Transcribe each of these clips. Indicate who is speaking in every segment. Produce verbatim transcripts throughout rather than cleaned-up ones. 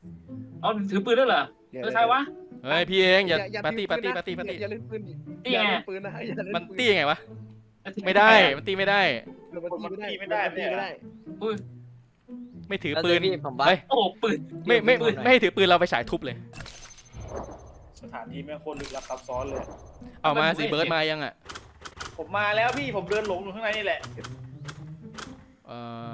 Speaker 1: เอาถือปืนด้วยเหรอเออใครวะ
Speaker 2: เฮ้ยพี่เองอย่าปาร์ตี้ปาร์ตี้ปาร์ตี้ปาร์ตี้
Speaker 3: อย่าเล่นปืน
Speaker 1: นี่
Speaker 3: อย่า
Speaker 1: ไง
Speaker 3: เล่นปืนนะอย่าเล่น
Speaker 2: มัน
Speaker 3: ปืน
Speaker 2: ตี้ยังไงวะไม่ได้มันตีไม่ได้
Speaker 3: มันตีไม่ได้มันตีไม่ได้
Speaker 1: อุ้ย
Speaker 2: ไม่ถือปืน
Speaker 4: พี่ผมบัฟ
Speaker 2: เฮ้ย
Speaker 1: โอ้ปืน
Speaker 2: ไม่ไม่ไม่ให้ถือปืนเราไปฉายทุบเลย
Speaker 5: สถานที่แม่งโคตรลึกลับซับซ้อนเลย
Speaker 2: เอามาสิเบิร์ดมายังอ่ะ
Speaker 5: ผมมาแล้วพี่ผมเดินหลงอยู่ข้างในนี่แหละ
Speaker 2: เออ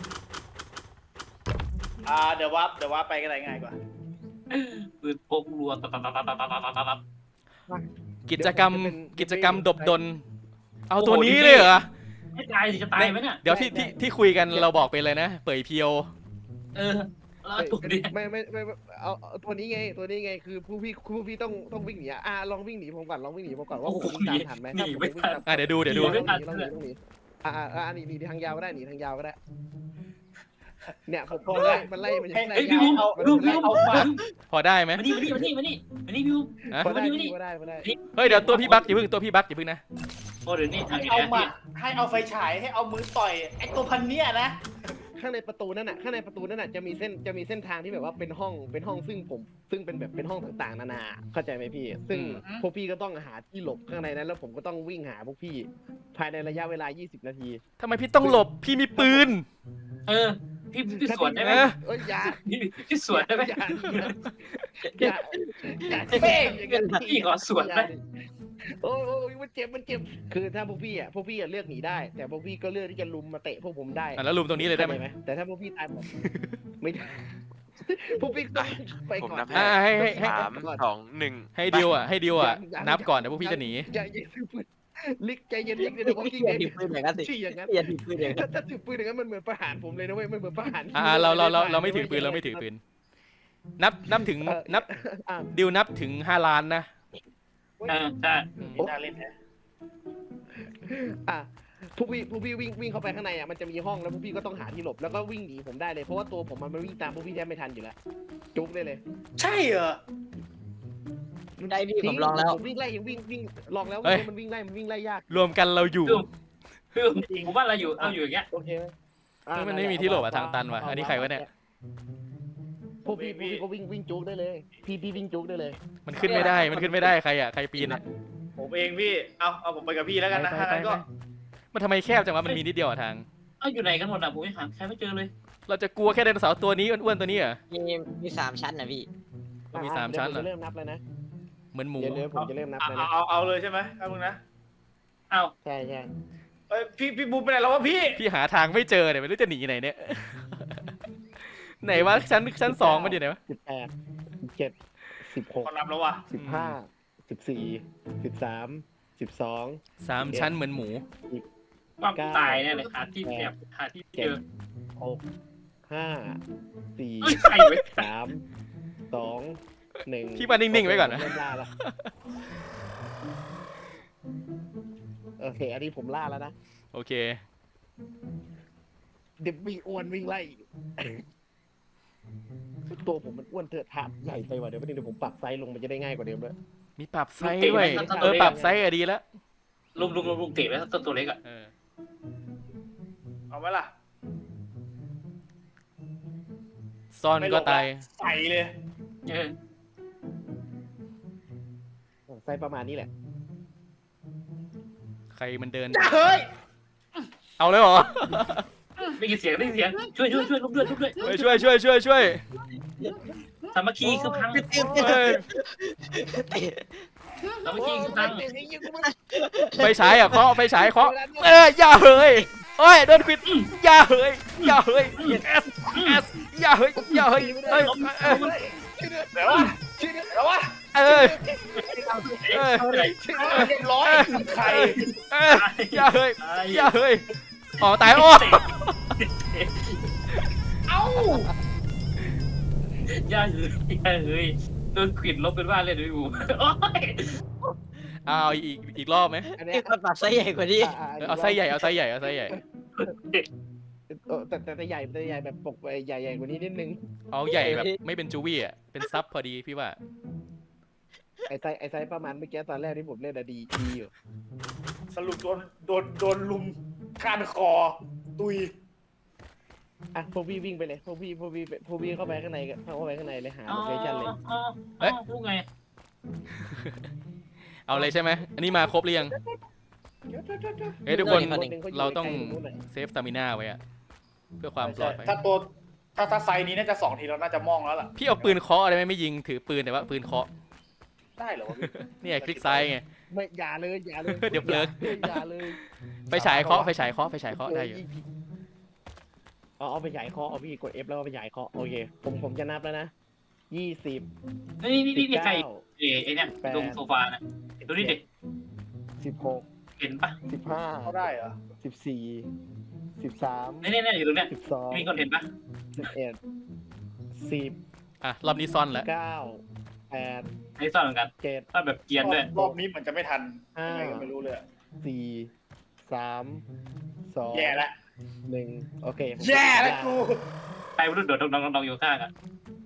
Speaker 5: อ่าเดี๋ยววับเดี๋ยววับไปก็ได้ง่ายกว่า
Speaker 1: ปืนพกรัวตับตับตับตับตับตับตับตับ
Speaker 2: กิจกรรมกิจกรรมดบดน เอาตัวนี้เลยเหรอ
Speaker 1: ไม่ตายสิจะตายไหมเนี่ย
Speaker 2: เดี๋ยวที่ที่ที่คุยกันเราบอกไปเลยนะ เปิดเพียว
Speaker 1: เออแล้วตัวนี้
Speaker 3: ไม่ไม่ไม่เอาตัวนี้ไงตัวนี้ไงคือผู้พี่ผู้พี่ต้องต้องวิ่งหนีอ่ะลองวิ่งหนีผมก่อนลองวิ่งหนีผมก่อนว่าผมตามทันไหม
Speaker 1: หนีไม่ทัน
Speaker 2: อ่ะเดี๋ยวดูเดี๋ยวดู
Speaker 3: ต้องหนีต้องหนีต้องหนีอ่าอ่าหนีหนีทางยาวก็ได้หนีทางยาวก็ได้เนี่ยผมพอไล่มันไล่มันยังไล่
Speaker 1: เฮ้ยพี่บูม
Speaker 3: เอา
Speaker 1: พี่บูมพี่บูม
Speaker 2: พอได้ไหม
Speaker 1: มานี่มานี่มานี่มานี่มานี่พี่บูม
Speaker 2: ฮะ
Speaker 3: พอได้
Speaker 1: มานี่
Speaker 3: พอได้พอได้
Speaker 2: เฮ้ยเดี๋ยวตัวพี่บักอย่าเพิ่งตัวพี่บักอย่าเพิ่งนะ
Speaker 1: โอ้เดี๋ยวนี้ทาง
Speaker 5: ให้
Speaker 1: นี้
Speaker 5: เอา
Speaker 1: แหละ
Speaker 5: มาให้เอาไฟฉายให้เอามือต่อยไอ้ตัวพันเนี้ยนะ
Speaker 3: ข้างในประตูนั่นน่ะข้างในประตูนั่นน่ะจะมีเส้นจะมีเส้นทางที่แบบว่าเป็นห้องเป็นห้องซึ่งผมซึ่งเป็นแบบเป็นห้องต่างๆนานาเข้าใจไหมพี่ ซึ่งพวกพี่ก็ต้องหาที่หลบข้างในนั้นแล้วผมก็ต้องวิ่งหาพวกพี่ ภายในระยะเวลายี่สิบนาที
Speaker 2: ทำไมพี่ต้องหลบพี่มีปืน
Speaker 1: เออพี่พี่สวนได้ไหม
Speaker 2: เออ
Speaker 3: เอ้ยอย่า
Speaker 1: พี่พี่สวนได้ไหม
Speaker 3: อย่าอย่าอย่าเป้งอย่างนั้น
Speaker 1: พี่ขอสวนได้
Speaker 3: โอ้ยมันเจ็บมันเจ็บคือถ้าพวกพี่อ่ะพวกพี่อ่ะเลือกหนีได้ แต่พวกพี่ก็เลือกที่จะลุมมาเตะพวกผมได้
Speaker 2: อ่ะแล้วลุมตรงนี้เลยได้ไหม
Speaker 3: ข้าใจแต่ถ้าพวกพี่ตายหมดไม่ได้พวกพี่ต้องไป
Speaker 6: ผม
Speaker 3: ก่อน
Speaker 6: นับ
Speaker 2: อ่ะให้ให้ให้
Speaker 6: สามสองหนึ่ง
Speaker 2: ให้ดิวอ่ะให้ดิวอ่ะนับก่อนเดี๋ยวพวกพี่จะหนี
Speaker 3: ใจเย็นปืนลิกใจเย็นลิกเดี๋ยวพวกพี่
Speaker 4: อย่าถือปืนอย่างนั้นสิ
Speaker 3: ชี้อย่างนั้น
Speaker 4: อย่าถือปืนอย่างนั้น
Speaker 3: ถ้าถ้าถือปืนอย่างนั้นมันเหมือนประหารผมเลยนะเว้ยมันเหมือนประหาร
Speaker 2: อ่าเราเราเราเราไม่ถือปืนเราไม่ถือปืน นับนับถึงนับ
Speaker 3: อ่ะ
Speaker 2: ดิวนับถึงห้าล้านนะ
Speaker 1: เออใช่
Speaker 5: นี่น่าเล่นนะ
Speaker 3: อ่ะพวกพี่พวกพี่วิ่งวิ่งเข้าไปข้างในอ่ะมันจะมีห้องแล้วพวกพี่ก็ต้องหาที่หลบแล้วก็วิ่งหนีผมได้เลยเพราะว่าตัวผมมันวิ่งตามพวกพี่แทบไม่ทันอยู่แล้วจุกได้เลย
Speaker 5: ใช่เหรอ
Speaker 4: ได้พี่ผมลองแล้ว
Speaker 3: ผมวิ่งไล่ยังวิ่งวิ่งลองแล้ว
Speaker 2: เฮ้ย
Speaker 3: มันวิ่งไล่มันวิ่งไล่ยาก
Speaker 2: รวมกันเราอยู่
Speaker 1: คือผมว่าเราอยู่เราอยู่อย่างเงี้ย
Speaker 3: โอเคไหม
Speaker 2: เฮ้ยมันไม่มีที่หลบอะทางตันว่ะอันนี้ใครวะเนี่ย
Speaker 3: พวกพี่พวกพี่ก็วิ่งวิ่งจุกได้เลย พี่พี่วิ่งจุกได้เลย
Speaker 2: มันขึ้นไม่ได้มันขึ้นไม่ได้ใครอ่ะใครปีนอ่ะ
Speaker 5: ผมเองพี่เอาเอาผมไปกับพี่แล้วกันนะ
Speaker 2: ไป
Speaker 5: ถ้า
Speaker 2: ไป
Speaker 5: งั้น
Speaker 2: ไป
Speaker 5: ก็
Speaker 2: มันทำไมแคบจังวะมันมีนิดเดียวอะทาง
Speaker 1: เอาอยู่ไหนกันหมดอ่ะผมยังหาใครไม่เจอเลย
Speaker 2: เราจะกลัวแค่ไดโนเสาร์ตัวนี้อ้วนๆตัวนี้เหรอ
Speaker 4: มีมีสามชั้นนะพี่
Speaker 2: มันมีสามชั้นเหรอ
Speaker 3: เดี๋ยวผมจะเริ่มนับแล้วนะ
Speaker 2: เหมือนหมู
Speaker 3: เดี๋ยวเดี๋ยวผมจะเริ่มนับ
Speaker 5: เอา
Speaker 3: แล้วนะ
Speaker 5: เอาเอาเลยใช่ไหมครับมึงนะ
Speaker 1: เอา
Speaker 3: ใช่ใช่
Speaker 5: เอ้ยพี่พี่บูมไปไหนแล้ววะพี่
Speaker 2: พี่หาทางไม่เจอเนี่ยไม่รู้จะหนีไหนเนี่ย ไหนวะชั้นชั้นสองมันอยู่ไหนวะ
Speaker 3: สิบแปดสิบเจ็ดสิบหก
Speaker 5: ขอนับแล้ววะ
Speaker 3: สิบห้าสิบสี่สิบสามสิบสอง
Speaker 2: สามชั้นเหมือนหมู
Speaker 1: ความตายเนี่ยเลยหาที่แบบหาที่เจอ
Speaker 3: หกห้าสี่
Speaker 1: เฮ้ยใครไว้
Speaker 3: สามสองหนึ่ง
Speaker 2: พี่มานิ่งๆไว้ก่อนนะ
Speaker 3: เริ่มล่าแล้วโอเค อันนี้ผมล่าแล้วนะ
Speaker 2: โอเค
Speaker 3: เด็กวิ่งอ้วนวิ่งไล่ตัวผมมันอ้วนเถอะถามใหญ่ไปว่ะเดี๋ยวประเดี๋ยวผมปรับไซส์ลงมันจะได้ง่ายกว่าเดิมด้วย
Speaker 2: มีปรับไซส์ด้วยเออปรับไซส์อะดีแล้ว
Speaker 1: ลุงลุงลุงลุงเตะไว้ตัวตัวเล็กอ่ะ
Speaker 2: เออ
Speaker 5: เอาไหมล่ะ
Speaker 2: ซ่อนก็ตาย
Speaker 5: ใส่เลย
Speaker 1: เออ
Speaker 3: ไซส์ประมาณนี้แหละ
Speaker 2: ใครมันเดิน
Speaker 5: เฮ้ย
Speaker 2: เอาเลยเหรอ
Speaker 1: ได้ยินเสียงได้ยินเสียงช่วยช่วยช่วยลุกด้วยลุกด้วย
Speaker 2: เฮ้ยช่วยช่วยช่วยช่วย
Speaker 1: สามัคคีคือพัง
Speaker 2: เฮ้ย
Speaker 1: สามัคคีคือพัง
Speaker 2: ไฟฉายอ่ะเคาะไฟฉายเคาะเอออย่าเฮ้ยโอ้ยโดนควิดอย่าเฮ้ยอย่าเฮ้ยเอสเอสอย่าเฮ้ยอย่าเฮ้ยเฮ้ยเออ
Speaker 5: เดี๋ยววะเดี๋ยววะ
Speaker 2: เออเออ
Speaker 1: อะไร
Speaker 5: เรียบร้อยใคร
Speaker 2: เอออย่าเฮ้ยอย่าเฮ้ยอ๋อตายโอ้
Speaker 5: เอ้า
Speaker 1: ย่าเฮ้ยย่าเฮ้ยโดนขิดลบเป็นว่าเลยด้วยกูโอ้ย
Speaker 2: เอาอีกอีกรอบไหม
Speaker 3: อันนี้
Speaker 4: พี่คนปรับไซส์ใหญ่กว่านี้
Speaker 2: เอาไส้ใหญ่เอาไส้ใหญ่เอาไส้ใหญ่
Speaker 3: แต่แต่ใหญ่แต่ใหญ่แบบปกใหญ่ใหญ่กว่านี้นิดนึง
Speaker 2: เอาใหญ่แบบไม่เป็นจูวี่อ่ะเป็นซับพอดีพี่ว่า
Speaker 3: ไอไซไอไซประมาณเมื่อกี้ตอนแรกที่ผมเล่นอะดีดีอยู่
Speaker 5: สรุปโดนโดนโดนลุมคานคอตุย
Speaker 3: อ่ะพวกพี่วิ่งไปเลยพวกพี่พวกพี่พวกพี่เข้าไปข้างในกันเข้าไปข้างในเลยหา
Speaker 1: อ๋อ
Speaker 3: โลเคชั่นเลย
Speaker 1: อ๋ออ๋อพูดไง
Speaker 2: เอาเลยใช่ไหมอันนี้มาครบหรือยังเฮ้ยทุกคน เราต้องเซฟสตามิน่าไว้อะเพื่อความปลอดภัย
Speaker 5: ถ้าตัวถ้าถ้าไซส์นี้น่าจะสองทีเราน่าจะมองแล้วล่ะ
Speaker 2: พี่เอาปืนเคาะอะไรไหมไม่ยิงถือปืนแต่ว่าปืนเคาะ
Speaker 5: ได้เหรอวะพี่
Speaker 2: เนี่ยคลิกซ้ายไง
Speaker 3: ไม่อย่าเลยอย่าเลย
Speaker 2: เดี๋ยวเบลอ
Speaker 3: อย่าเลย
Speaker 2: ไฟฉายเคาะไฟฉายเคาะไฟฉายเคาะได้อยู่
Speaker 3: เอาเอาไปฉายเคาะเอาพี่กด F แล้วก็ไปฉายเคาะโอเคผมผมจะนับแล้วนะยี่สิบ
Speaker 1: นี่นี่
Speaker 3: สิ
Speaker 1: นี่
Speaker 3: บ
Speaker 1: นี่ใคร
Speaker 3: เก้า
Speaker 1: เอ๋ไอเนี่ยตรงโซฟาน่ะดูนี่ดิ
Speaker 3: สิบหก
Speaker 1: เห็นปะ
Speaker 3: สิบห้า
Speaker 5: เขาได้เหรอ
Speaker 3: สิบสี่สิบสาม
Speaker 1: นี่นี่นี่อยู่ตรงเนี้ย
Speaker 3: สิบสอง
Speaker 1: มีคนเห็นปะ
Speaker 3: สิบเอ็ดสิบ
Speaker 2: อ่ะรอบนี้ซ่อนแล้ว
Speaker 3: เก้าแปด
Speaker 1: ไอ้ซ่อนเหมือนกัน
Speaker 3: เจ็ด
Speaker 1: ซ่อนแบบเกรียนด้วย
Speaker 5: รอบนี้เหมือนจะไม่ทัน
Speaker 3: ห้า
Speaker 5: ยังไงก็ไม่รู้เลยอะ
Speaker 3: สี่สามสอง
Speaker 5: แย่ละ
Speaker 3: หนึ่งโอเคผม
Speaker 5: แย่แล้วกู
Speaker 1: ใครไม่รู้โดดดองดองดองอยู่ข้างอ่ะ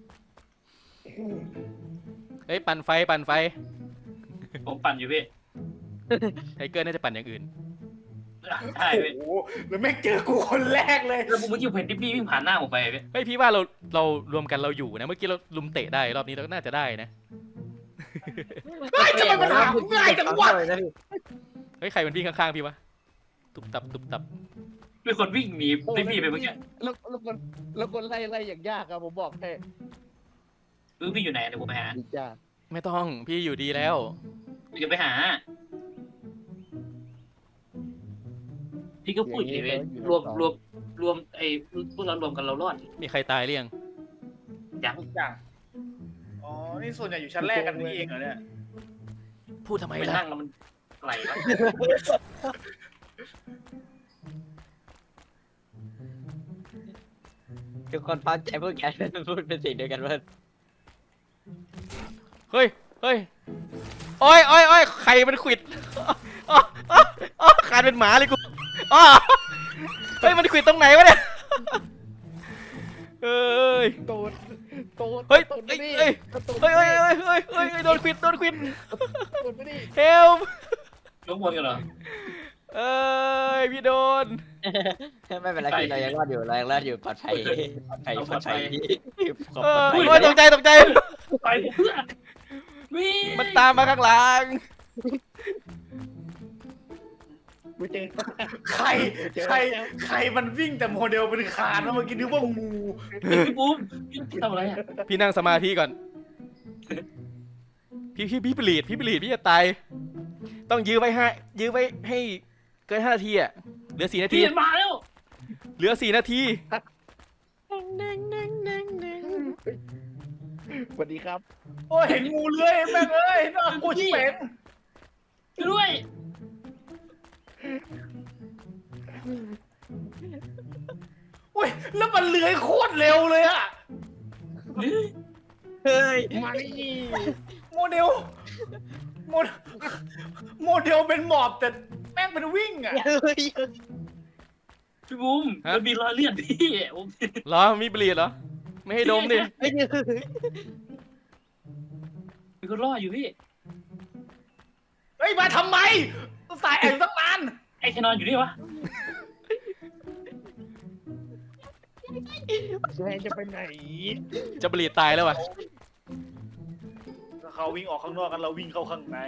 Speaker 2: เฮ้ยปั่นไฟปั่นไฟ
Speaker 1: ผมปั่นอยู่พี่
Speaker 2: ไทเกอร์น่าจะปั่นอย่างอื่น
Speaker 1: ใช่พี่
Speaker 5: โอ้โหแล้วแม่งเจอกูคนแรกเลย
Speaker 1: แล้วผมเมื่อกี้ผมเห็นดิบบี้วิ่งผ่านหน้าผมไปพี่
Speaker 2: เฮ้ยพี่ว่าเราเรารวมกันเราอยู่นะเมื่อกี้เราลุมเตะได้รอบนี้เราก็น่าจะได้นะ
Speaker 5: เฮ้ยทำไมมันหาง่ายจังวะ
Speaker 2: เฮ้ยใครมันวิ่งข้างๆพี่วะตุบตับตุบตับ
Speaker 1: มีคนวิ่งหนี
Speaker 3: โอ้
Speaker 1: ดิบบี้ไปเมื่อกี้
Speaker 3: แล้วแล้วคนแล้วคนไล่ไล่อย่างยากอะผมบอกให้
Speaker 1: เออพี่อยู่ไหนเดี๋ยวผมไปหา
Speaker 3: ดียาก
Speaker 2: ไม่ต้องพี่อยู่ดีแล้ว
Speaker 1: พี่จะไปหา พี่ก็พูดอย่างนี้รวมรวมรวมไอ้พวกเรารวมกันเรารอด
Speaker 2: มีใครตายหรือยัง
Speaker 1: ยัง
Speaker 5: ทุกอย่างอ๋อนี่ส่วนใหญ่อยู่ชั้นแรกกันนี่เองเหรอเนี่ย
Speaker 2: พูดทำไม
Speaker 1: ไป
Speaker 2: ล่ะ
Speaker 1: นั่งแล้วมันไกลแล้ว
Speaker 4: ทุกคนฟังใจพวกแกพูดเป็นสิ่งเดียวกันว่า
Speaker 2: เฮ้ยเฮ้ยโอ้ยโอ้ยโอ้ยใครมันขวิดอ๋ออ๋ออ๋อขาดเป็นหมาเลยกูอ๋อเฮ้ยมันขวิดตรงไหนวะเนี่ยเอ้ย
Speaker 3: โตดโตด
Speaker 2: เฮ้ย
Speaker 3: โตด
Speaker 2: เฮ้ย
Speaker 3: ไปดิ
Speaker 2: เฮ้ย
Speaker 3: โตด
Speaker 2: เฮ้ย
Speaker 3: ไป
Speaker 2: เฮ้ย
Speaker 3: ดิ
Speaker 2: เฮ้ยเฮ้ยเฮ้ยโดนขวิดโดนขวิด
Speaker 3: โตดไปดิ
Speaker 2: เฮล
Speaker 1: ยกบนกันเหรอ
Speaker 2: เอ้ยพี่โดน
Speaker 4: ไม่เป็นไรพี่เรายังรอดอยู่เรายังรอดอยู่ปลอดภัยปลอดภัยปลอดภัยขอบ
Speaker 2: เออ
Speaker 4: คุณ
Speaker 2: โอ้ยตกใจตกใจ
Speaker 1: ไปผมเพื่อนวิ่ง
Speaker 2: มันตามมาข้างหลัง
Speaker 3: กูเจอ
Speaker 5: ใครใครใครมันวิ่งแต่โมเดลเป็นคานแล้วเมื่อกี้นึกว่างู
Speaker 1: พี่ปุ๊บพี่ทำอะไรอ่ะ
Speaker 2: พี่นั่งสมาธิก่อน พี่พี่พี่ปลีดพี่ปลีดพี่จะตาย ต้องยื้อไว้ให้ยื้อไว้ให้เกินห้านาทีอ่ะ เหลือสี่นาที
Speaker 1: พี่มาแล้ว
Speaker 2: เหลือสี่นาที
Speaker 3: สวัสดีครับ
Speaker 5: โอ้ยเห็นงูเลื้อยแม่งเอ้ยน่ากลัวชิบเป๋ง
Speaker 1: ช่วยด้วย
Speaker 5: โอ้ยแล้วมันเลื้อยโคตรเร็วเลยอะ
Speaker 4: เฮ้ย
Speaker 3: มาดิ
Speaker 5: โมเดลโมเดลโมเดลเป็นหมอบแต่แม่งเป็นวิ่งอะ
Speaker 4: เฮ้ย
Speaker 1: พี่บุ้มมันมีรอยเลือดพี่ผม
Speaker 2: เหรอ มีปลีดเหรอ ไม่ให้ดมดิ
Speaker 4: เฮ้ย
Speaker 1: มีคนรออยู่พี่
Speaker 5: เฮ้ยมาทำไมสายแอบตั้งนาน
Speaker 1: ไอ้แคนอนอยู่นี่วะ
Speaker 3: แกจะไปไหน
Speaker 2: จะปลีดตายแล้ววะ
Speaker 5: ถ้าเขาวิ่งออกข้างนอกกันเราวิ่งเข้าข้างใน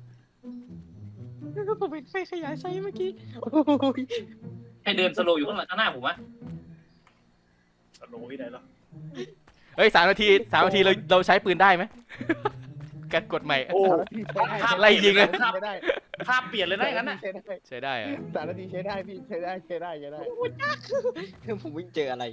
Speaker 4: ผมเป็นไฟขยายไซส์เมื่อกี้
Speaker 1: ไอเดินสโลว์อยู่ข้างหลังข้างหน้าผมวะ
Speaker 5: สโลว์ที่ไหนล่ะ
Speaker 2: เฮ้ยสามนาทีสามนาทีเราเราใช้ปืนได้ไหม การกดใหม่
Speaker 5: โอ้
Speaker 2: ไล่ยิงอะ
Speaker 3: ใช้ได้
Speaker 5: ภาพเปลี่ยนเลยนะอย่างนั้นน่ะ
Speaker 3: ใช้ได้
Speaker 2: ใช้ได้อะ
Speaker 3: สามนาทีใช้ได้พี่ใช้ได้ใช้ได้ใช้ได้
Speaker 4: ผมวิ่งเจออะไร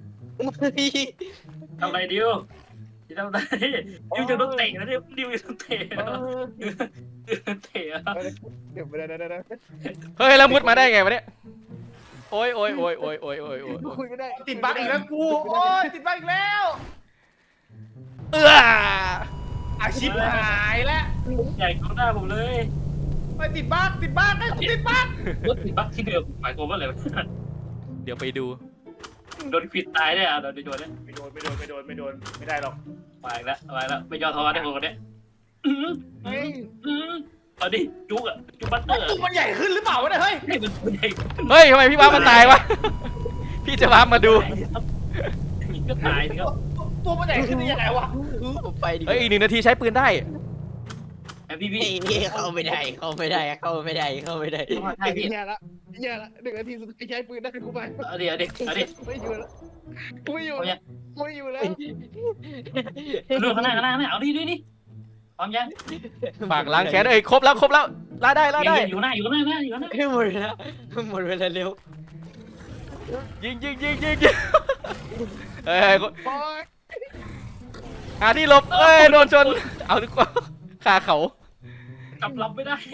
Speaker 1: ทำอะไรดิวดิวทำอะไรดิวจะโดนเตะนะดิวดิวจะโดนเตะนะดิวโดนเตะอะ
Speaker 3: เดี๋ยวไปได้ได้ได้
Speaker 2: เฮ้ยแล้วมุดมาได้ไงวะเนี่ย โอ้ยโอ้ยโอ้ยโอ้ยโอ้ยโอ้ยโอ้ยโอ้ย
Speaker 3: คุยไม่ได้
Speaker 5: ติดบั๊กอีกแล้วกูโอ้ยติดบั๊กอีกแล้ว
Speaker 2: เอื้อ
Speaker 5: อาชิบหายแล้ว
Speaker 1: ใหญ่กว่าหน้าผมเลย
Speaker 5: ไปติดบั๊กติดบั๊กไอ้กูติดบั๊ก
Speaker 1: รถติดบั๊กที่เดิมหมายความว่าอะไรวะ
Speaker 2: เดี๋ยวไปดู
Speaker 1: โดนควิดตายได้อะโดนโดนเนี่ย
Speaker 5: ไม่โดนไม่โดนไม่โดนไม่โดนไม่ได้หรอก
Speaker 1: ไปแล้วไปแล้วไม่ยอมท้อได้คนคนเนี้ยอืม
Speaker 3: เฮ้ย
Speaker 1: อืมเอาดิจุกอะจุกบัตเตอร์
Speaker 5: ตู้มันใหญ่ขึ้นหรือเปล่าวะเนี่ยเฮ้ย
Speaker 1: ให้มันใหญ่
Speaker 2: เฮ้ยทำไมพี่ว้ามันตายวะ พี่พี่จะวาร์ปมาดู
Speaker 1: มีก็ตายสิครับ
Speaker 5: ตัวมันใหญ่ขึ้นได้ยังไงวะ
Speaker 4: ผมไปดีก
Speaker 2: เอ้ย
Speaker 4: ว่า
Speaker 2: อีกหนึ่งนาทีใช้ปืนได้
Speaker 1: ไอพี่พี่
Speaker 4: พี่เข้าไม่ได้เข้าไม่ได้เข้าไม่ได้เข้าไม่ได้
Speaker 1: ใช่พี่
Speaker 3: แย่ละแย่ละหนึ่งนาทีสุดท้ายใช้ปืนได้กูไป
Speaker 1: เอาดี๋ยวเดี๋ยวเอาดี๋ยว
Speaker 3: ไม่อยู่แล้วไม่อยู่แล้วไม่อยู่แล้ว
Speaker 1: เรื่องข้างหน้าข้างหน้าข้างหน้าเอาดิดิดิพร้อมยัง
Speaker 2: ฝากล้างแค้นเอ้ยครบแล้วครบแล้วล่าได้ล่าได้
Speaker 1: อยู่หน้าอยู่หน้าหน้าอยู่หน้า
Speaker 4: หมดแล้วหมดเวลาเร็ว
Speaker 2: ยิงยิงยิงยิงยิงเอ้ย
Speaker 3: โอ๊ย
Speaker 2: หาที่หลบเอ้ยโดนชนเอาดีกว่าคาเขา
Speaker 1: กลับลำไม่ได้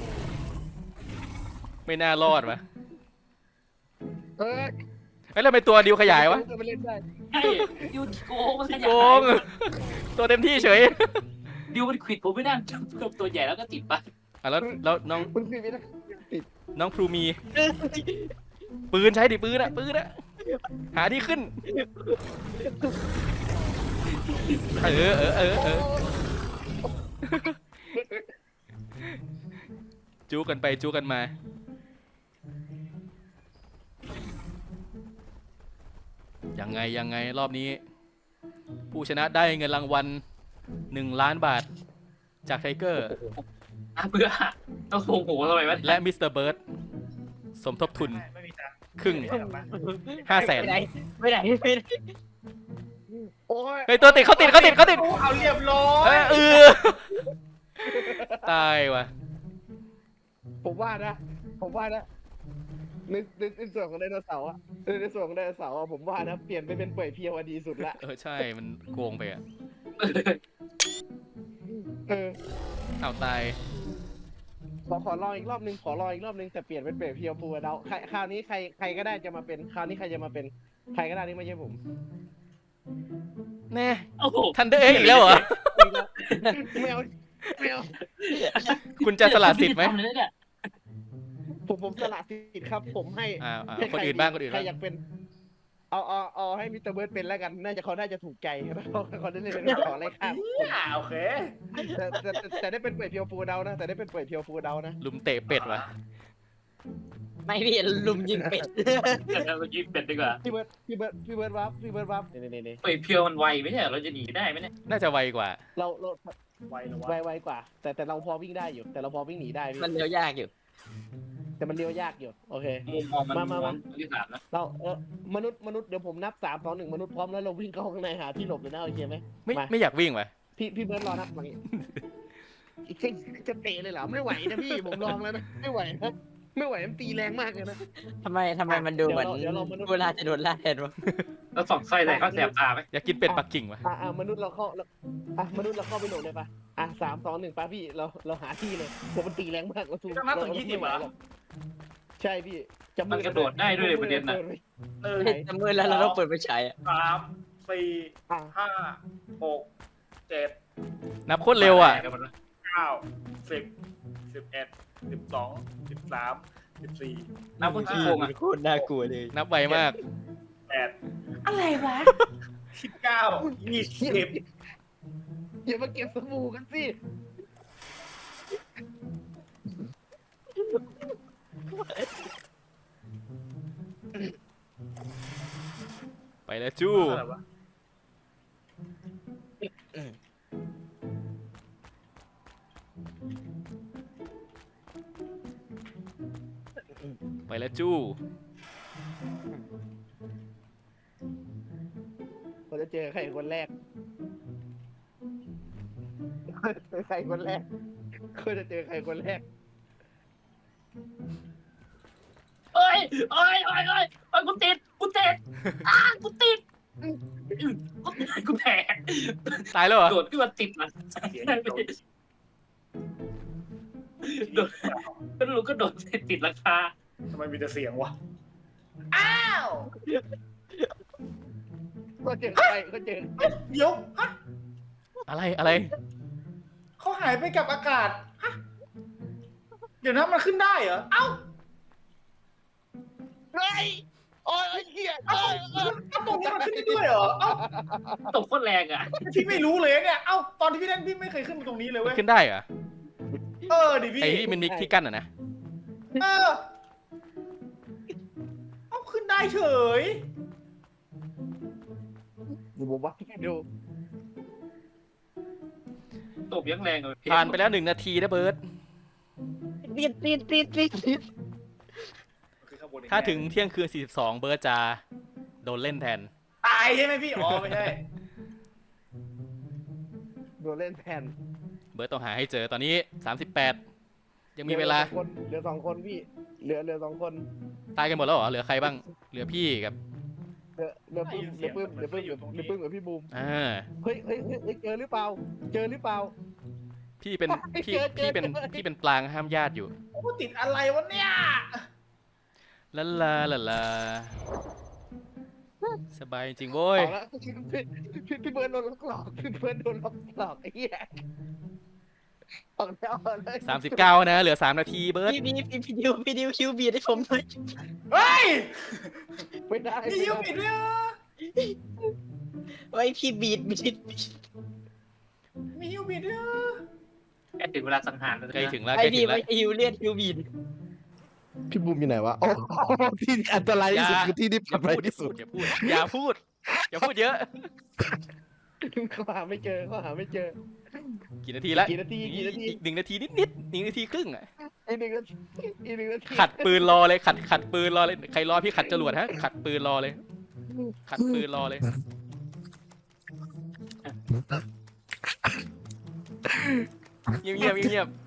Speaker 2: ไม่น่ารอดวะ
Speaker 3: เอ้ย
Speaker 2: เอ้ยแล้วทำไมตัวดิวขยายวะ
Speaker 3: ไปเล่นได้
Speaker 1: ใช่ดิวโกงมันขยาย
Speaker 2: โกงตัวเต็มที่เฉย
Speaker 1: ดิวมันขวิดผมไม่ได้ตัวใหญ่แล้วก็ติดปะ
Speaker 2: อ่ะแล้วแล้วน้อง
Speaker 3: คุณคือไม่ได้ติด
Speaker 2: น้องพลูมี ปืนใช้ดิปืนอะปืนอะหาที่ขึ้นเออเออเออเออจูกันไปจูกันมายังไงยังไงรอบนี้ ผู้ชนะได้เงินรางวัลหนึ่งล้านบาทจากไทเกอร์
Speaker 1: อ่ะเบื่อต้องโกงโหทำไมวะ
Speaker 2: และมิสเตอร์เบิร์ดสมทบทุน
Speaker 5: ไม่มีตังค์
Speaker 2: ครึ่ง
Speaker 5: ไม่ได้
Speaker 2: ห้าแสน
Speaker 4: ไม่ได้ไม่ได้ไม่ได้
Speaker 3: โอ้ย
Speaker 2: เฮ้ยตัวติดเขาติดเขาติดเขาติด
Speaker 5: เอาเรียบร้อ
Speaker 2: เอ้
Speaker 5: ย
Speaker 2: ยเออตายว่ะ
Speaker 3: ผมว่านะผมว่านะในในในส่วนของไดโนเสาร์อะในในส่วนของไดโนเสาร์อะผมว่านะเปลี่ยนไปเป็นเปื่อยเพียวอะดีสุดละ
Speaker 2: เออใช่มันโกงไปอ่ะ
Speaker 3: เออ
Speaker 2: เอาตาย
Speaker 3: ขอขอรออีกรอบนึงขอรออีกรอบนึงแต่เปลี่ยนเป็นเปื่อยเพียวปูเดาใครคราวนี้ใครใครก็ได้จะมาเป็นคราวนี้ใครจะมาเป็นใครก็ได้นี่ไม่ใช่ผม
Speaker 2: แน่
Speaker 1: โอ้โห
Speaker 2: ทันเดอร์เอ็กอีกแล้วเหรอ
Speaker 3: ไม่เอาไม่เอา
Speaker 2: คุณจะสละสิทธิ์ไหม
Speaker 3: ผมผมสละสิทธิ์ครับ ผมให้
Speaker 2: อ่าอ่า
Speaker 3: ให้
Speaker 2: คนอื่นบ้างคนอื่น
Speaker 3: ใคร
Speaker 2: บ้าง
Speaker 3: อยากเป็น เอาเอาเอาให้มิสเตอร์เบิร์ดเป็นแล้วกัน น่าจะเขาน่าจะถูกใจเขาเขาได้เล่นเป็นขออะไรครับ
Speaker 5: อ่าโอเค
Speaker 3: แต่แต่แต่แต่ได้เป็นเปื่อยเพียวฟูเดานะแต่ได้เป็นเปื่อยเพียวฟูเดานะ
Speaker 2: ลุมเตะเป็ดวะ
Speaker 4: ไม่พี่ลุมยิงเป็ด
Speaker 1: เมื่อกี้เป็ดดีกว่า
Speaker 3: พี่เบิร์ดพี่เบิร์ดพี่เบิร์ดวับพี่เบิร์ดวับนี่นี่นี่
Speaker 1: ไปเพียวมันไวไม่ใช่เราจะหนีได้ไหมเนี่ย
Speaker 2: น่าจะไวกว่า
Speaker 3: เราเรา
Speaker 5: ไวเหรอ
Speaker 3: ไว
Speaker 5: วะ
Speaker 3: ไวกว่า แต่แต่เราพอวิ่งได้อยู่ แต่เราพอวิ่งหนีได้พี่
Speaker 4: มันเร็วยากอยู่
Speaker 3: แต่มันเลี้ยวยากอยู่โอเค
Speaker 1: มุมมองมัน
Speaker 3: มามามา
Speaker 1: ที่สามนะ
Speaker 3: เราเออมนุษย์มนุษย์เดี๋ยวผมนับสามสองหนึ่งมนุษย์พร้อมแล้วเราวิ่งเข้าข้างในหาที่หลบเลยนะโอเคไหม
Speaker 2: ไม่
Speaker 3: มา
Speaker 2: ไม่อยากวิ่งวะ
Speaker 3: พี่พี่เบิร์ดรอนับมางี้จะเตะเลยเหรอไม่ไหวนะพี่ผมลองแล้วนะไม่ไหวนะไม่ไหวมันตีแรงมากเลยนะ
Speaker 4: ทำไมทำไมมันดูเหมือน
Speaker 3: เดี๋ยวเราเดี๋ยวเรามนุษย์
Speaker 4: เวลาจะโดนล่าแทนวะ
Speaker 1: แล้วสองไส้ใส่ข้าวแสบตาไหม
Speaker 2: อยากกินเป็ดปักกิ่งวะ
Speaker 3: อ่ะอ่ะมนุษย์เราเข้าเราอ่ะมนุษย์เราเข้าไปหลบเลยปะอ่ะสามสองหนึ่งปะพี่เราเราหาที่เลยผมมันตีแรงมากเราสู้
Speaker 5: ต้องนับถึงยี่สิบเหรอ
Speaker 3: ใช่พี่จะ
Speaker 1: มันกระโดดได้ด้วยเลยประเด็นนะ
Speaker 5: หนึ่ง
Speaker 4: จะมือแล้วเราต้องเปิดไฟฉายอะ
Speaker 5: สามสี่
Speaker 3: อ่ะ
Speaker 5: ห้าหกเจ็ด
Speaker 2: นับโคตรเร็วอ่ะ
Speaker 5: เก้าสิบสิบเอ็ดสิบสองสิบสามสิบสี่
Speaker 1: นับว่าขี้โกงอ่ะ
Speaker 4: โคตรน่ากลัวเลย
Speaker 2: นับไวมาก
Speaker 5: แปดอะไรวะสิบเก้ายี่สิบ
Speaker 3: อย่ามาเก็บสบู่กันสิ
Speaker 2: ไปแล้วจู้
Speaker 5: อะไรวะ
Speaker 2: ไปแล้วจู้
Speaker 3: เราจะเจอใครคนแรกเจอใครคนแรกเขาจะเจอใครคนแรก
Speaker 1: เอ้ยเอ้ยเอ้ยเอ้ยเอ้ยกูติดกูติดอ้ากูติดกูติดกูแตก
Speaker 2: ตายแล้วเหรอ
Speaker 1: โดดขึ้นมาติดมันโดดก็รู้ก็โดดติดราคา
Speaker 5: ทำไมมีแต่เสียงวะ
Speaker 3: ก็เจอใครก็เจอ
Speaker 5: เดี๋ยวฮะ
Speaker 2: อะไรอะไร
Speaker 5: เขาหายไปกับอากาศฮะเดี๋ยวนะมันขึ้นได้เหรอเอ้า
Speaker 3: เฮ้ยโอ้ยไอ้เหี้ย
Speaker 5: เอ้า
Speaker 3: เอ้ยเอ้ย
Speaker 5: เอ้าตรงนี้มันขึ้นได้ด้วยเหรอเอ้า
Speaker 1: ตกโคตรแรงอ่ะ
Speaker 5: พี่ไม่รู้เลยเนี่ยเอ้าตอนที่พี่เล่นพี่ไม่เคยขึ้นมาตรงนี้เลย
Speaker 2: มัน
Speaker 5: เว้ย
Speaker 2: ขึ้นได้เหรอ
Speaker 5: เออดิพี่
Speaker 2: ไอ้ที่มันมีที่กั้นอ่ะนะ
Speaker 5: เออเอ้าขึ้นได้เฉย
Speaker 3: ดูผมว่าดู
Speaker 1: ตบยังแรงเลย
Speaker 2: ผ่านไปแล้วหนึ่งนาทีนะเบิร์ต
Speaker 4: ติดติดติดติดติด
Speaker 5: คือข้างบนอีก
Speaker 2: ถ้าถึงเที่ยงคืนสี่สิบสองเบิร์ตจะโดนเล่นแทน
Speaker 5: ตายใช่ไหมพี่อ๋อไม่ใช่
Speaker 3: โดนเล่นแทน
Speaker 2: เบิร์ตต้องหาให้เจอตอนนี้สามสิบแปดยังมีเวลา
Speaker 3: เหลือสองคนเหลือสองคนพี่เหลือเหลือสองคน
Speaker 2: ตายกันหมดแล้วเหรอเหลือใครบ้างเหลือพี่กับ
Speaker 3: เหลือเหลือปื้มเหลือปื้มเหลือปื้มเหลือเหลือปื้มกับพี่บูม
Speaker 2: อ่า
Speaker 3: เฮ้ยเฮ้ยเฮ้ยเฮ้ยเจอหรือเปล่า เจอหรือเปล่า
Speaker 2: พี่เป็นพี่
Speaker 3: เจอเจอ
Speaker 2: พี่เป็น
Speaker 3: เจอ
Speaker 2: พี่เป็นปลางห้ามญาติอยู่
Speaker 5: โอ้ติดอะไรวะเนี่ย
Speaker 2: ลาลาลาลาสบายจริงโว้ย
Speaker 3: เอาละพี่พี่พี่เบิร์ดโดนล็อกหลอกพี่เบิร์ดโดนล็อกหลอกไอ้เหี้ยออกแล้วออกเลย
Speaker 2: สามสิบเก้านะเหลือสามนาทีเบิร์ต
Speaker 4: พี่พี่พี่พี่ดิวพี่ดิวคิวบีดให้ผมหน่อย
Speaker 5: เฮ้ย
Speaker 3: ไม่ได้
Speaker 5: นี่ยูปิดเลยเหรอ
Speaker 4: ไว้พี่บีดบีด
Speaker 5: มียูปิดเลยเหรอ
Speaker 1: แค่ถึงเวลาสังหารแล้ว
Speaker 2: ใกล้ถึงแล้ว
Speaker 4: ไอ้
Speaker 2: ใกล้
Speaker 4: ดี
Speaker 2: ถึงแล้ว
Speaker 4: ไว้ฮิวเลียดฮิวบีด
Speaker 3: พี่บูมอยู่ไหนวะโอ้ที่อันตรายที่สุดคือที่ที่ปล
Speaker 2: อ
Speaker 3: อดภั
Speaker 2: ย่าพู
Speaker 3: ย
Speaker 2: ด
Speaker 3: ที่สุด
Speaker 2: อย่าพูดอย่าพูดอย่าพูดเยอะ
Speaker 3: เขาหาไม่เจอเขาหาไม่เจอ
Speaker 2: กี่นาทีแล้ว
Speaker 3: กี่นาทีกี่นาที
Speaker 2: อีกหนึ่งนาทีนิดนิดๆหนึ่งนาทีครึ่งอะ
Speaker 3: อีกหนึ่งนาทีอีกหนึ่งนาที
Speaker 2: ขัดปืนรอเลยขัดขัดปืนรอเลยใครรอพี่ขัดจรวดฮะขัดปืนรอเลย ขัดปืนรอเลยเงียบเงียบเงียบ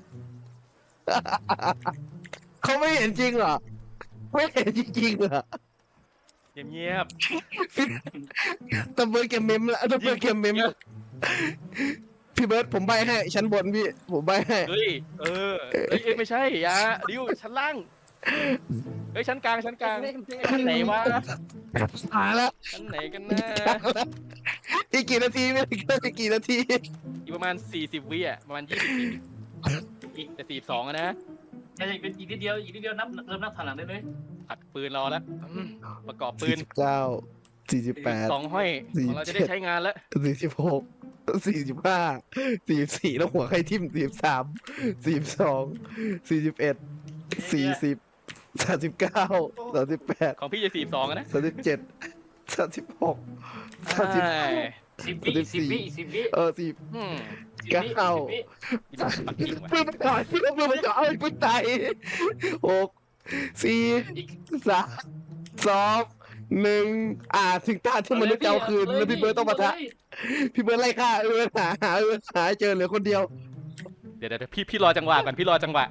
Speaker 3: เขาไม่เห็นจริงเหรอไม่เห็นจริงๆเหรอ
Speaker 2: เงียบเงียบ
Speaker 3: ตะเบิร์ดเกมเมมละตะเบิร์ดเกมเมมพี่เบิร์ดผมใบให้ชั้นบนพี่ผมใบให้
Speaker 2: เฮ้ยเออเฮ้ยเอ้ยไม่ใช่อยาดิวชั้นล่างเฮ้ยชั้นกลางชั้นกลางชั้นไหนวะ
Speaker 3: หาละ
Speaker 2: ชั้นไหนกันนะ
Speaker 3: อีกกี่นาทีไม่ถึงอีกกี่นาที
Speaker 2: อีกประมาณสี่สิบวิอ่ะประมาณยี่สิบวิแต่สี่สองอะนะ
Speaker 1: จะเป็นอีกนิดเดียวอีกนิดเดียวนับเริ่มนับถอยหลังได้เลย
Speaker 2: ขัดปืนรอแล้วอืมประกอบปื
Speaker 3: สี่
Speaker 2: น
Speaker 3: สิบเก้าสี่สิบแปด
Speaker 2: สองห้อย
Speaker 3: สี่
Speaker 2: ของเราจะได้ใช้งานแล้ว
Speaker 3: สี่สิบหกสี่สิบห้าสี่สิบสี่แล้วหัวใครทิ่มสี่สิบสามสี่สิบสองสี่สิบเอ็ดสี่สิบสามสิบเก้าสามสิบแปด
Speaker 2: ของพี่จะสี่สองนะ
Speaker 3: สามสิบเจ็ดสามสิบหกสามสิบ
Speaker 2: ใช่
Speaker 1: สิบวิสิบวิสิบวิ
Speaker 3: เออสี่
Speaker 2: อืม
Speaker 1: สิบวิ
Speaker 3: เก้า
Speaker 1: สิบวิ
Speaker 2: อีดอกปักกิ่งว่ะ
Speaker 3: เพื่อนมันก่อนเพื่อนมันก่อนเอ้ยกูตายหกสี่
Speaker 1: อีก
Speaker 3: สามสองหนึ่งอ่าถึงตาที่มันจะเอาคืนแล้วพี่เบิร์ดต้องมาทะพี่เบิร์ดไล่ฆ่าเออหาหาเออหาเจอเหลือคนเดียว
Speaker 2: เดี๋ยวเดี๋ยวพี่พี่รอจังหวะก่อนพี่รอจังหวะ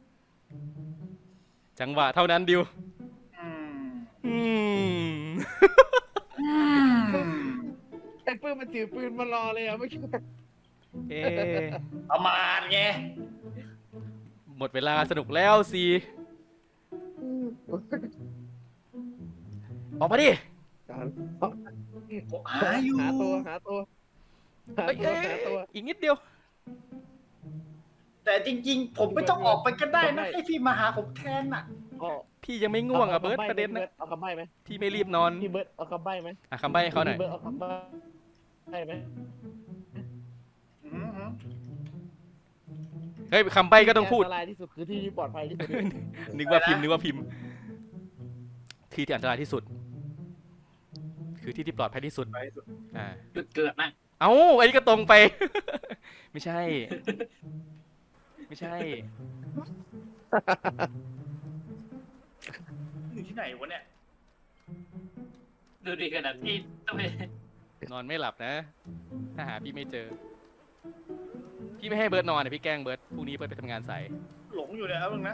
Speaker 2: จังหวะเท่านั้นดิว
Speaker 1: อืม
Speaker 2: อืม
Speaker 1: อืม
Speaker 3: ไอ้ปืนมันถือปืนมารอเลยอ่ะไม่คิด
Speaker 2: เอ๊ะ
Speaker 5: ประมาณไง
Speaker 2: หมดเวลาสนุกแล้วสิออกมาดิ
Speaker 5: หาอยู่
Speaker 3: หาตัวหาตัวหา
Speaker 2: เอ้ย
Speaker 3: ตัว
Speaker 2: เอ้ย
Speaker 3: หาตัว
Speaker 2: อีกนิดเดียว
Speaker 5: แต่จริงๆ ผมไม่ต้องออกไปก็ได้นะให้พี่มาหาผมแทนน่ะ
Speaker 3: อ๋อ
Speaker 2: พี่ยังไม่ง่วงอ่ะเบิร์ตประเด็นนะ
Speaker 3: เอาคำใบ้ไหม
Speaker 2: พี่ไม่รีบนอน
Speaker 3: พี่เบิร์ดเอาคำใบ้ไหม
Speaker 2: อ่ะคำใบ้ให้เขาหน่อย
Speaker 3: พี่เบิร์ดเอาคำใบ้ได้ไหม
Speaker 5: อืมอืม
Speaker 2: เฮ้ยคำใบ้ก็ต้องพูด
Speaker 3: ที่นตรายที่สุดคือที่ที่ปลอดภัยที่สุด
Speaker 2: นึกว่าพิมพ์นึกว่าพิมพ์ ที่ที่อันตรายที่สุด คือที่ที่ปลอดภัยที่สุด อ่า
Speaker 1: จุดเกิดนะ
Speaker 2: เอ้าอันนี้ก็ตรงไป ไม่ใช่ ไม่ใช่
Speaker 5: อยู่ที่ไหนวะเนี่ย
Speaker 1: ดูดิขนาดที่ต้องไป
Speaker 2: นอนไม่หลับนะ ถ้าหาพี่ไม่เจอ พี่ไม่ให้เบิร์ดนอนนะพี่แกล้งเบิร์ดพรุ่งนี้เบิร์ดไปทำงานสาย
Speaker 5: หลงอยู่เลยครับมึงนะ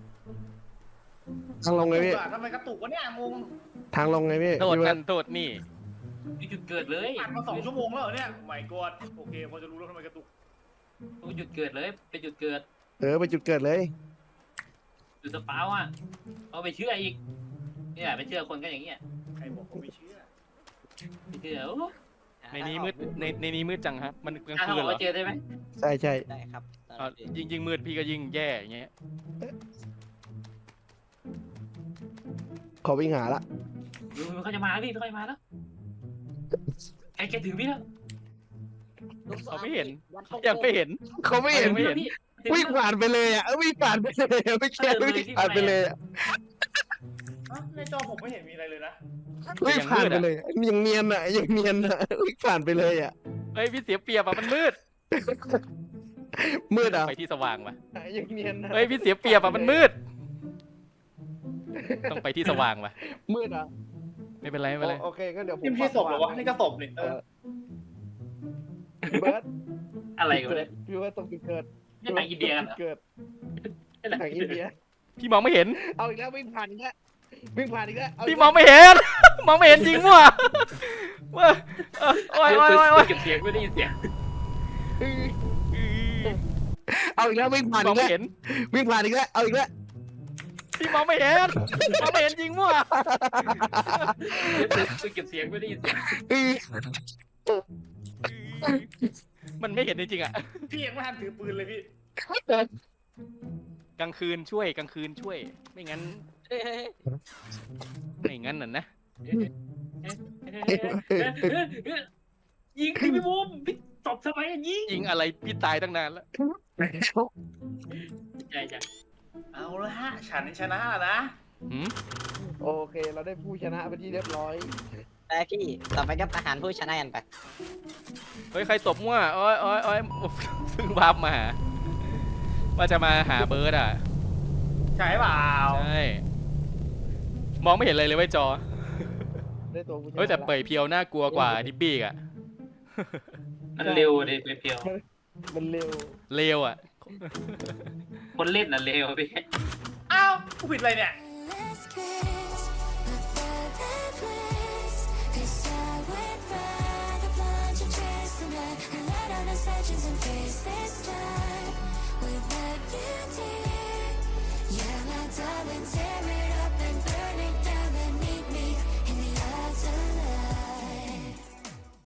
Speaker 3: ทางลงไงพี่
Speaker 5: ทำไมกระตุกวะเนี่ยงง
Speaker 3: ทางลงไงพี่
Speaker 2: โทษ
Speaker 3: พี่เบิ
Speaker 2: กั
Speaker 3: ร์ด
Speaker 2: นโทษนี่
Speaker 1: จุดเกิดเลย
Speaker 5: อ่านมาสองชั่วโมงแล้วเหรอเนี่ยไม่กดโอเคพอจะรู้แล้วทำไมกระตุก
Speaker 1: จุดเกิดเลยเป็นจุดเกิด
Speaker 3: เออไปจุดเกิดเลย
Speaker 1: จุดสปาวอ่ะเอาไปเชื่ออีกเนี่ยไปเชื่อคนก็อย่างเงี้ย
Speaker 5: ใครบอกผมไม่เชื่อ
Speaker 1: ไม่เชื่อโอ้
Speaker 2: ในนี้มืดในในนี้มืดจังครับ มันกลาง
Speaker 1: ถ้า
Speaker 2: คืน
Speaker 1: บอก
Speaker 2: เหรอ
Speaker 1: ว่าเจอได้ไหม
Speaker 3: ใช่ใช่
Speaker 4: ได้ครับ
Speaker 2: อ่ะยิ่งยิ่งมืดพี่ก็ยิ่งแย่อย่างเงี้ย
Speaker 3: ขอวิ่งหาละ
Speaker 1: เขาจะมาแล้วพี่เขาจะมาแล้วใกล้จะถึงพี่แล้ว
Speaker 2: เขาไม่เห็น ยังไม่เห็น
Speaker 3: เขาไม่เห็น
Speaker 2: ไม่เห็น
Speaker 3: วิ่งผ่านไปเลยอ่ะเออวิ่งผ่านไปเลยอะไม่แค่วิ่งผ่านไปเลยอะ
Speaker 5: เอ้าอ่ะในจอผมไม่เห็นมีอะไรเลยนะ
Speaker 3: วิ่งผ่านไปเลยยังเนียนอ่ะยังเนียนอ่ะวิ่งผ่านไปเลยอ่ะ
Speaker 2: เฮ้ยพี่เสียเปรียบอ่ะมันมืด
Speaker 3: มืดอ่ะ
Speaker 2: ไปที่สว่างว่ะ
Speaker 3: ยังเนียนอ่ะ
Speaker 2: เฮ้ยพี่เสียเปรียบอ่ะมันมืด ต้องไปที่สว่างว่ะ
Speaker 3: มืดอ่ะ
Speaker 2: ไม่เป็นไรไม่เป็นไร
Speaker 3: โอเคก็เดี๋ยวผม
Speaker 5: นี่ไม่ใช่ศพเหรอวะนี่ก็ศพนี่เอ
Speaker 3: เอ
Speaker 5: อ
Speaker 3: อพี่เบิร์ด
Speaker 1: อะไรกัน
Speaker 3: เกิ
Speaker 1: เล
Speaker 3: ด
Speaker 1: ย
Speaker 3: พี่เบิร์ดตรงจุดเกิด
Speaker 1: นี่หนังอินเดียกันเหรอ
Speaker 3: เกิด
Speaker 1: นี่หนัง
Speaker 3: หนัง
Speaker 1: อิ
Speaker 3: อิ
Speaker 1: น
Speaker 3: น
Speaker 1: เดี
Speaker 3: เดี
Speaker 1: ย
Speaker 3: ย
Speaker 2: พี่มองไม่เห็น
Speaker 3: เอาอีกแล้ววิ่งผ่านอีกแล้ววิ่งผ่านอีกแล้วเาอี
Speaker 2: พี่
Speaker 3: ก
Speaker 2: มองไม่เห็น มองไม่เห็นจริงว่ะเว้ยเออโอ้ยโอ้ยโอ้ยโอ้ย
Speaker 1: เก็บเสียงไม่ได้ยินเสียง
Speaker 3: เออเอาอีกแล้ววิ่งผ่าน
Speaker 2: มอ
Speaker 3: อี
Speaker 2: ง
Speaker 3: ก
Speaker 2: ไม่
Speaker 3: แล้ว
Speaker 2: เห็น
Speaker 3: วิ่งผ่านอีกแล้วเอาอีกแล้ว
Speaker 2: พี่มองไม่เห็น มองไม่เห็นจริงว่ะ
Speaker 1: เก็บเสียงไม่ได้ยินเสียง
Speaker 3: เออ
Speaker 2: มันไม่เห็นจริงๆอ่ะ
Speaker 5: พี่ยังไม่ทันถือปืนเลยพี่
Speaker 2: กลางคืนช่วยกลางคืนช่วย ไม่งั้น
Speaker 4: เฮ้ยเฮ้ย
Speaker 2: ไม่งั้นน่ะนะ
Speaker 1: ยิงพี่พี่บูมพี่ตบทำไมอะยิง
Speaker 2: ยิงอะไรพี่ตายตั้งนานแล้ว
Speaker 1: ใช่จ้ะ
Speaker 5: เอาละฮะฉันชนะแล้วนะ
Speaker 2: หืม
Speaker 3: โอเค เราได้ผู้ชนะไปนที่เรียบร้อย
Speaker 4: ไปพี่ต่อไปก็ประหารผู้ชนะกันไป
Speaker 2: เฮ้ยใครตบมั่วโอ้ยโอ้ยโอ้ยซึ่งวาร์ปมาหาว่าจะมาหาเบิร์ดอ่ะ
Speaker 5: ใช่เปล่า
Speaker 2: ใช่ มองไม่เห็นเลยเลยเว้ยจอ
Speaker 3: ได้ตัวผู้ชนะ
Speaker 2: เฮ้ยแต่เปยเพียวน่ากลัวกว่าดิบบี้อ่ะ
Speaker 1: มันเร็วดิเพียว
Speaker 3: มันเร็ว
Speaker 2: เลวอ่ะ
Speaker 1: ๆคนเล่นน่ะเร็วพี่
Speaker 5: อ้าวกูผิดอะไรเนี่ย
Speaker 6: Let's kiss, but better place. 'Cause I would rather plunge and chase the night and let out our sections and face this time without you, dear. Yeah, my darling, take